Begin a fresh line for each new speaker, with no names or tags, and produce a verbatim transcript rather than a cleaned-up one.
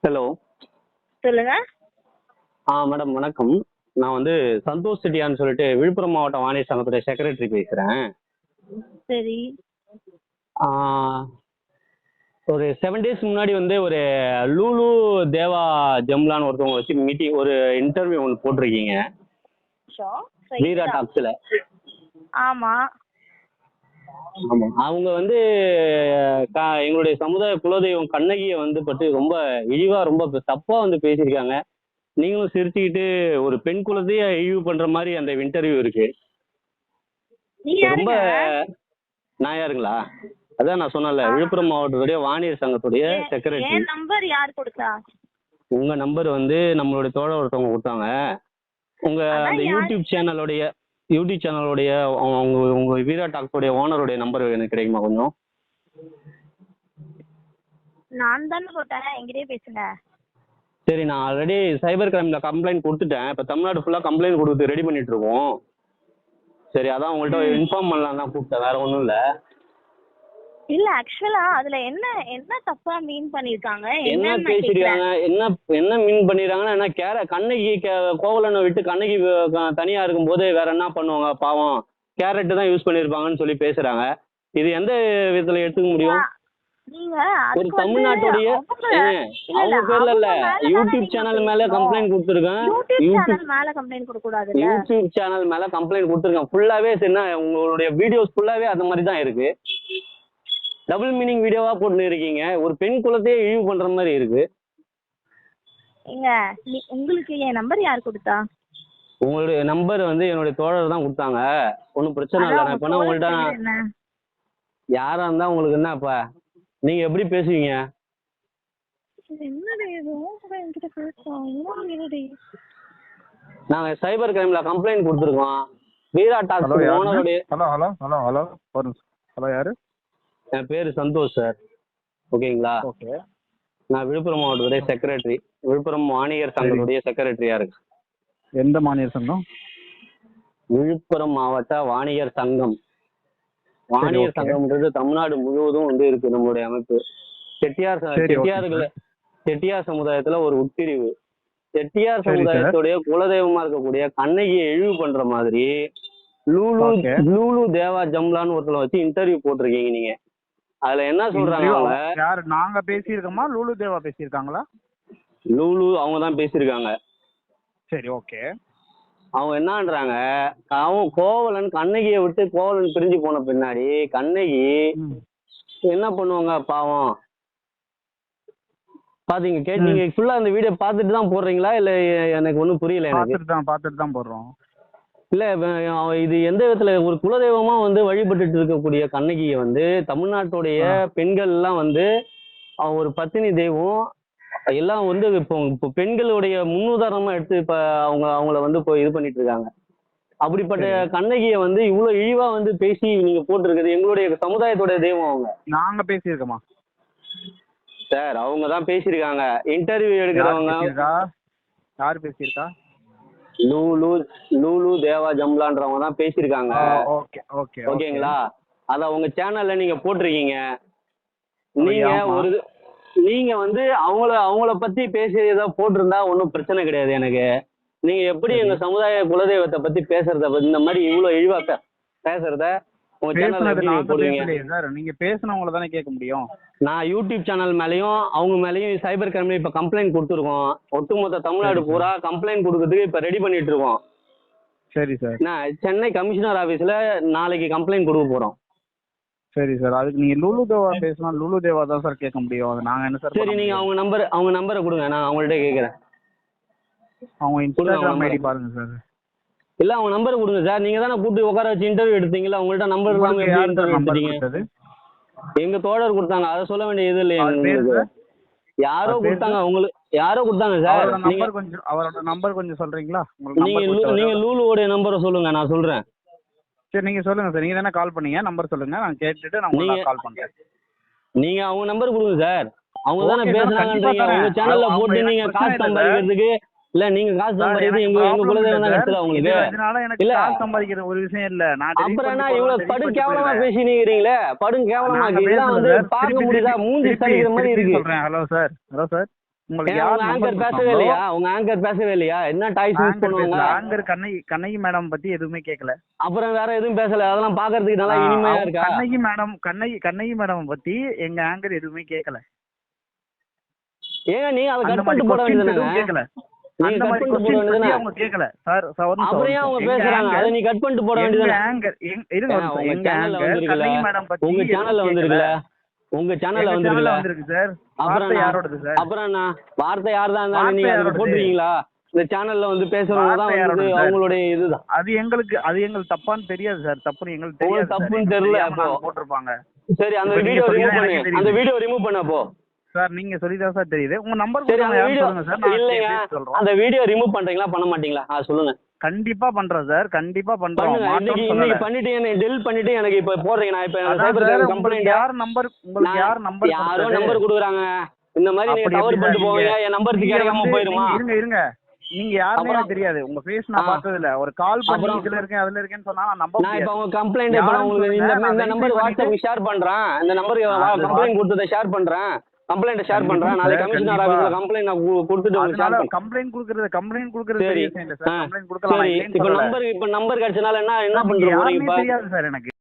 Hello.
சொல்லுங்க.
ஆ madam வணக்கம். நான் வந்து சந்தோஷ் செட்டியான்னு சொல்லிட்டு விழுப்புரம் மாவட்ட வானிலை சங்கத்துடைய செக்ரட்டரி பேசுறேன்.
சரி.
ஆ, ஒரு செவன் டேஸ் முன்னாடி வந்து ஒரு லூலு தேவா ஜம்லான்னு ஒருத்தவங்க வச்சு மீட்டிங் ஒரு இன்டர்வியூ ஒன்று போட்டிருக்கீங்க
ஷோ,
வீரா
சரிதான்.
டாக்ஸில்.
ஆமா.
ஆமாம், அவங்க வந்து க- எங்களுடைய சமுதாய குலதெய்வம் கண்ணகியை வந்து பற்றி ரொம்ப இழிவா ரொம்ப தப்பா வந்து பேசியிருக்காங்க. நீங்களும் சிரிச்சுக்கிட்டு ஒரு பெண் குலத்தையே இழிவு பண்ற மாதிரி அந்த இன்டர்வியூ இருக்கு.
நீங்க
ரொம்ப
யாருங்க?
நான் யாருங்களா? அதான் நான் சொன்னேன்ல,
ஆ,
விழுப்புரம் மாவட்டத்துடைய வானியர் சங்கத்துடைய
ஏன்
செக்ரட்டரி.
என் நம்பர் யார் கொடுத்தா?
உங்க நம்பர் வந்து நம்மளுடைய தோழர் ஒருத்தவங்க கொடுத்தாங்க. உங்க
அதான்
அந்த
யார்?
யூடியூப் சேனலுடைய யூடியூப் சேனலுடைய உங்க உங்க வீரா டாக்ஸோடைய ஓனருடைய நம்பர் எனக்கு கிடைக்குமா கொஞ்சம்?
நான் தானே போட்டேன், என்கிட்டயே பேசுங்க.
சரி, நான் ஆல்ரெடி சைபர் கிரைம்ல கம்ப்ளைண்ட் கொடுத்துட்டேன். இப்போ தமிழ்நாடு ஃபுல்லாக கம்ப்ளைண்ட் கொடுத்து ரெடி பண்ணிட்டு இருக்கோம். சரி, அதான் உங்கள்கிட்ட
ம்.
இன்ஃபார்ம் பண்ணலாம் தான் கூப்பிட்டேன், வேற ஒன்றும் இல்லை.
இல்ல, ஆக்சுவலா அதுல என்ன என்ன தப்பா மீன் பண்ணிருக்காங்க
என்ன
என்னன்னு நான்
பேசிருக்காங்க,
கேக்குறேன்.
என்ன என்ன மீன் பண்ணிடுறாங்கன்னா, என்ன கேர கண்ணகி கே- கோவலனை விட்டு கண்ணகி வ- க- தனியா இருக்கும்போது வேற என்ன பண்ணுவாங்க பாவம், கேரட் தான் யூஸ் பண்ணிருப்பாங்கன்னு சொல்லி பேசுறாங்க. இது எந்த விதத்துல எடுத்துக்க முடியும்?
நீங்க
ஒரு
அதுக்கு வந்து
தமிழ்நாட்டுடைய
அவங்க
ஏங்க,
இல்ல இல்ல
அவங்க பேர்ல இல்ல,
அவங்க மேலதானே
யூடியூப்
நீங்க
சேனல் மேல
பேசணும்.
கம்ப்ளைண்ட் கொடுத்துருக்கேன்.
யூடியூப்
யூடியூப்
சேனல் மேல கம்ப்ளைண்ட் கொடுக்க கூடாதுல்ல.
யூடியூப் சேனல் மேல கம்ப்ளைண்ட் கொடுத்துருக்கேன். ஃபுல்லாவே என்ன உங்களுடைய வீடியோஸ் ஃபுல்லாவே அந்த மாதிரி தான் இருக்கு. டபுள் மீனிங் வீடியோவா போட்டு இருக்கீங்க. ஒரு பெண் குலத்தையே இழிவு பண்ற மாதிரி இருக்கு.
ஏங்க, நீ- உங்களுக்கு என் நம்பர் யார் கொடுத்தா?
உங்களுடைய நம்பர் வந்து என்னுடைய தோழர் தான் கொடுத்தாங்க. ஒன்றும் பிரச்சனை இல்லை.
அதான்
நான்
உங்க
இப்போ
தோழர்
உங்கள்கிட்ட
பேர் என்ன?
யாரா இருந்தா உங்களுக்கு என்ன இப்ப? நீங்க எப்படி பேசுவீங்க?
இது என்னடி இது? உன் கூட என்கிட்ட பேசுறோம். என்ன என்னடி?
நாங்க சைபர் கிரைம்ல கம்ப்ளைண்ட் கொடுத்துருக்கோம். வீரா
ஹலோ
டாக்ஸ்
யாருங்க?
ஓனருடைய
ஹலோ ஹலோ ஹலோ ஹலோ ஒரு நிமிஷம். ஹலோ யாரு?
என் பேரு சந்தோஷ் சார். ஓகேங்களா?
ஓகே.
நான் விழுப்புரம் மாவட்டத்துடைய செக்ரட்டரி, விழுப்புரம் வாணிகர்
சரி.
சங்கத்துடைய செக்ரட்டரியா இருக்கு.
எந்த மாநில சங்கம்?
விழுப்புரம் மாவட்ட வாணிகர் சங்கம். வாணிகர்
ஓகே.
சங்கம்ன்றது தமிழ்நாடு முழுவதும் வந்து இருக்கு நம்மளுடைய அமைப்பு. செட்டியார் ச-
சரி, ஓகே
செட்டியார்களை செட்டியார் சமுதாயத்துல ஒரு உட்பிரிவு. செட்டியார்
சரி சார்.
சமுதாயத்துடைய குலதெய்வமா இருக்கக்கூடிய கண்ணகியை இழிவு பண்ற மாதிரி லூலு
ஓகே.
லூலு தேவா ஜம்லான்னு ஒருத்தரை வச்சு இன்டர்வியூ போட்டிருக்கீங்க நீங்க. அதுல என்ன சொல்றாங்க
இன்டர்வியூ
அவங்க?
யாரு? நாங்க பேசியிருக்கோமா லூலு தேவா பேசியிருக்காங்களா?
லூலு அவங்க தான் பேசியிருக்காங்க.
சரி, ஓகே.
அவங்க என்னன்றாங்க, அவன் கோவலன் கண்ணகியை விட்டு கோவலன் பிரிஞ்சு போன பின்னாடி கண்ணகி
ம்.
என்ன பண்ணுவாங்க பாவம்? பாத்தீங்க கே
ம்.
நீங்க ஃபுல்லா அந்த வீடியோ பார்த்துட்டு தான் போடுறீங்களா இல்ல? எனக்கு ஒன்றும் புரியல எனக்கு.
பார்த்துட்டு தான் பார்த்துட்டு தான் போடுறோம்.
இல்ல வ- அவ- இது எந்த விதத்துல ஒரு குலதெய்வமா வந்து வழிபட்டுட்டு இருக்கக்கூடிய கண்ணகியை வந்து தமிழ்நாட்டுடைய
ஆ.
பெண்கள் எல்லாம் வந்து அவ ஒரு பத்தினி தெய்வம் எல்லாம் வந்து இப்போ இப்போ பெண்களுடைய முன்னுதாரணமா எடுத்து இப்ப அவங்க அவங்கள வந்து இப்போ இது பண்ணிட்டு இருக்காங்க. அப்படிப்பட்ட
சரி.
கண்ணகியை வந்து இவ்வளவு இழிவா வந்து பேசி நீங்க போட்டிருக்குது. எங்களுடைய சமுதாயத்தோட தெய்வம் அவங்க.
நாங்க பேசியிருக்கோமா?
சார் அவங்க தான் பேசியிருக்காங்க. இன்டர்வியூ
யார்
எடுக்கிறவங்க
பேசியிருக்கா? யார் பேசியிருக்கா?
லூலு லூலு தேவா ஜம்லான்றவங்க தான் பேசியிருக்காங்க.
Okay okay okay.
ஓகேங்களா? அத உங்க சேனல்ல நீங்க போட்டிருக்கீங்க. நீங்க
ஆமா.
ஒரு நீங்க வந்து அவங்கள அவங்கள பத்தி பேசி ஏதோ போட்டிருந்தா ஒன்றும் பிரச்சனை கிடையாது எனக்கு. நீங்க எப்படி
சரி.
எங்க சமுதாய குலதெய்வத்தை பத்தி பேசுறத பத்தி இந்த மாதிரி இவ்வளவு இழிவா பே- பேசுறத உங்க சேனல்ல
பேசுனது
எப்படி நீங்க
நாங்க
போடுவீங்க?
பேசலையே சார். நீங்க பேசுனவங்கள தானே கேட்க முடியும்.
நான் யூடியூப் சேனல் மேலயும் அவங்க மேலயும் சைபர் கிரைம்ல இப்ப கம்ப்ளைண்ட் கொடுத்துருக்கோம். ஒட்டுமொத்த தமிழ்நாடு
சரி,
பூரா கம்ப்ளைண்ட் கொடுக்கறதுக்கு இப்ப ரெடி பண்ணிட்டு இருக்கோம்.
சரி சார்.
நான் சென்னை கமிஷனர் ஆபீஸ்ல நாளைக்கு கம்ப்ளைண்ட் கொடுக்க போறோம்.
சரி சார். அதுக்கு நீங்க லூலு தேவா பேசினா லூலு தேவா தான் சார் கேட்க முடியும். அது நாங்க என்ன சார்
சரி,
பண்ண
நீங்க
முடியும்?
அவங்க நம்பர் அவங்க நம்பரை கொடுங்க, நான் அவங்கள்ட்ட கேட்கறேன்.
அவங்க இன்ஸ்டாகிராம்
number.
ஐடி பாருங்க சார்.
இல்ல அவங்க நம்பரை கொடுங்க சார். நீங்க தானே கூப்பிட்டு உட்கார வச்சு இன்டர்வியூ எடுத்தீங்களா? உங்கள்ட்ட நம்பர் இல்லாம
உங்களுக்கு
எப்படி
யார் சார்
இன்டர்வியூ
நம்பர்
எடுத்தீங்க?
கொடுத்தது?
எங்க தோழர் கொடுத்தாங்க. அதை சொல்ல வேண்டிய இது இல்லையா
அவர் பேரு
உங்களுக்கு?
சார்?
யாரோ
அவர் பேரு
கொடுத்தாங்க உங்களுக்கு. யாரோ கொடுத்தாங்க சார்.
அவரோட
நீங்க
நம்பர் கொஞ்சம் அவரோட நம்பர் கொஞ்சம் சொல்றீங்களா? உங்களுக்கு
நீங்க
நம்பர்
லூ- நீங்க
கொடுத்தவர்.
லூலுவோடைய நம்பரை சொல்லுங்க, நான் சொல்றேன்.
சரி, நீங்க சொல்லுங்க சார். நீங்க தானே கால் பண்ணீங்க. நம்பர் சொல்லுங்க. நான் கேட்டுட்டு நான்
நீங்க
உங்களுக்கு கால் பண்றேன்.
நீங்க அவங்க நம்பர் கொடுங்க சார். அவங்க தானே
ஓகே சார், கண்டிப்பா
பேசுனாங்கன்றீங்க.
தரேன்.
உங்க சேனல்ல
அவங்க
போட்டு
எனக்கு
நீங்க
பிரச்சனை
காசு
இல்லை சார்.
சம்பாதிக்கிறதுக்கு இல்ல நீங்க காசு
சார்,
சம்பாதிக்கிறது
எனக்கு
எங்க எங்க
ப்ராப்ளம்
குலதெய்வம்
இல்லை
தான்
சார்.
கட்டுதா
இது
உங்களுக்கு?
அதனால எனக்கு
இல்ல
காசு சம்பாதிக்கிற ஒரு விஷயம் இல்ல. நான் delete
அப்புறம் என்ன
பண்ணிட்டு
இவ்வளவு
delete
படு
பண்ணிட்டு
கேவலமா
போயிடுவேன்.
பேசினீங்களே? படு கேவலமா
நாங்க
இருக்கு. இதெல்லாம்
பேசல
வந்து
சார்.
பார்க்க
திருப்பி
முடியுதா?
திருப்பி
மூஞ்சி
திருப்பி
சரிக்கிற மாதிரி
திருப்பி
இருக்கு.
சொல்றேன். Hello sir. Hello sir. உங்களுக்கு
ஏன்
யார்
உங்க
நம்பர்
ஆங்கர் பேசவே
கொடுத்தாங்களோ
இல்லையா உங்க ஆங்கர் பேசவே இல்லையா என்ன டாய்ஸ் யூஸ்
ஆங்கர்
பண்ணுவாங்க
பேசல. ஆங்கர் கண்ணகி கண்ணகி மேடம் பத்தி எதுவுமே கேட்கல.
அப்புறம் வேற எதுவும் பேசல அதெல்லாம் பாக்குறதுக்கு நல்லா இனிமையா
அவங்க
இருக்கா
கண்ணகி மேடம் கண்ணகி கண்ணகி மேடம் பத்தி எங்க ஆங்கர் எதுவுமே கேட்கல.
ஏங்க நீங்க அதை
அந்த
கட்
மாதிரி
பண்ணிட்டு போட
கொஸ்டின்ஸ்
வேண்டியதுதானே
எதுவும் கேட்கல.
நீங்க
அந்த
கட்
மாதிரி
பண்ணிட்டு போட
கொஸ்டின்ஸ் பத்தி
வேண்டியதுதானே
அவங்க கேட்கல. சார் சார் ஒரு
அப்புறம் ஏன் அவங்க
நிமிஷம். எங்க
பேசுறாங்க அதை
ஆங்கர்
நீ கட் பண்ணிட்டு போட
எங்க
வேண்டியதுதானே
ஆங்கர் எங்க- இருங்க ஒரு
ஏங்க,
நிமிஷம்.
உங்க
எங்க
சேனல்ல
ஆங்கர்
வந்திருக்குல்ல
கண்ணகி மேடம் பத்தி
உங்க
எதுவும்
சேனல்ல
கேட்கல.
வந்திருக்குல்ல உங்க சேனல்ல
எங்க
வந்திருக்குல்ல
சேனல்ல வந்திருக்கு சார்.
அப்புறம்
வார்த்தை
நான்
யாரோடது சார்?
அப்புறம் நான் வார்த்தை யார் தான்
வார்த்தை
நீங்க அதுல
யாரோடது?
போட்டுருக்கீங்களா இந்த சேனல்ல வந்து பேசுறவங்க தான்
வார்த்தை
வந்து
யாரோடது சார்?
அவங்களுடைய இதுதான்
அது எங்களுக்கு அது எங்களுக்கு தப்பான்னு தெரியாது சார். தப்புன்னு எங்களுக்கு தெரியாது
உங்களுக்கு
சார்.
தப்புன்னு
எங்களுக்கு
தெரியல
தெரியாம
அப்போ
நாங்க போட்டிருப்பாங்க.
சரி அந்த
இப்ப நீங்க
வீடியோ
சொல்லி
ரிமூவ்
தான்
பண்ணு
எனக்கு
அந்த
தெரியுது.
வீடியோ ரிமூவ் பண்ண போ
சார் நீங்க சொல்லிதான் சார் தெரியுது. உங்க நம்பர்
சரி அந்த
கொடுங்க யாருன்னு
வீடியோ
சொல்லுங்க சார். நான்
இல்லைங்க
பேசி சொல்றோம்.
அந்த வீடியோ ரிமூவ் பண்றீங்களா பண்ண மாட்டீங்களா ஆ சொல்லுங்க
கண்டிப்பா பண்றோம் சார். கண்டிப்பா பண்றோம்.
பண்ணுங்க இன்னைக்கு
மாற்றம்னு
இன்னைக்கு
சொல்லல.
பண்ணிட்டு என்ன டெலிட் பண்ணிட்டு எனக்கு இப்ப போடுறீங்க நான் இப்ப
அதான்
சைபர்
சார்
கிரைம்
உங்களுக்கு
கம்ப்ளைண்ட்
யார் நம்பர் உங்களுக்கு யார் நம்பர்
யாரோ
கொடுத்தது?
நம்பர் கொடுக்குறாங்க இந்த மாதிரி நீங்க
அப்படி
தவறு
எப்படி
பண்ணிட்டு
சார்
போவீங்க
நீங்க
என் நம்பருக்கு
நீங்க
கிடைக்காம
வந்து
போயிருமா
நீங்க இருங்க இருங்க நீங்க யாருமே
அப்புறம்
எனக்கு தெரியாது. உங்க ஃபேஸ் நான்
ஆ.
பார்த்தது இல்ல. ஒரு கால் பண்ணி
அப்புறம்
இதுல இருக்கேன் அதுல இருக்கேன்னு சொன்னா நான் நம்ப
நான் இப்ப
முடியாது.
உங்க கம்ப்ளைண்ட் இப்ப நான்
யாருன்னு
உங்களுக்கு
சொல்லுங்க.
இந்த
நான்
இந்த
வெரிஃபை
நம்பர்
பண்ணிட்டு
வாட்ஸ்அப் ஷேர் பண்றேன் இந்த நம்பருக்கு
அது
கம்ப்ளைண்ட் கொடுத்ததை ஷேர் பண்றேன் கம்ப்ளைண்ட் ஷேர்
கண்டிப்பா
பண்றேன் நாளைக்கு
சார்.
கமிஷனர்
கண்டிப்பா.
ஆபீஸ்ல கம்ப்ளைண்ட் நான் கு- கொடுத்துட்டு உங்களுக்கு ஷேர்
அதனால
பண்றேன்
கம்ப்ளைண்ட் குடுக்கறது கம்ப்ளைண்ட் குடுக்கறது
சரி
பெரிய விஷயம் இல்ல சார்.
ஆ
கம்ப்ளைண்ட் குடுக்கலாம். நான்
சரி
இல்லைன்னு
இப்ப
சொல்லல.
நம்பர் இப்ப நம்பர் கிடைச்சனால என்ன என்ன
சார், நீங்க
பண்ற போறீங்க
யாருன்னே
இப்ப
தெரியாது சார் எனக்கு.